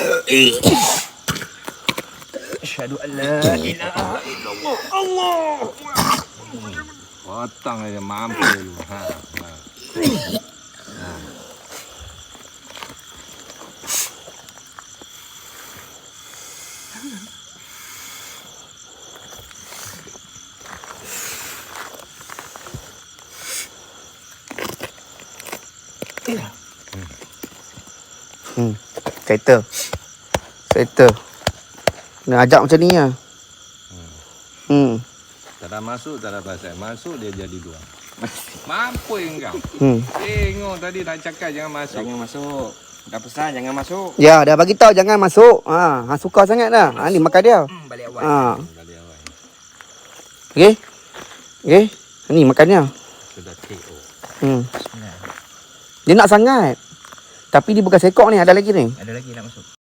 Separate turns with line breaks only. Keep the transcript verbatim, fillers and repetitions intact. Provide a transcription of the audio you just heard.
Asyhadu an la ilaha illallah. Allah.
Potong aja mampir lu. Ha. Ha. Ha.
Hmm. Settle. Settle. Nak ajak macam ni lah. Hmm.
Tak ada masuk, tak ada pasal. Masuk dia jadi dua. Mampu engkau.
Hmm.
Tengok tadi nak cakap jangan masuk.
Jangan masuk. Dah pesan jangan masuk.
Ya, dah bagi tahu jangan masuk. Ha, ha suka sangat dah. Ha ni makan dia.
Hmm, balik awal.
Ha.
Balik awal.
Okey. Okey. Ni makan dia.
Sudah K O.
Hmm. Dia nak sangat. Tapi dia bukan sekok ni, ada lagi ni.
Ada lagi nak masuk.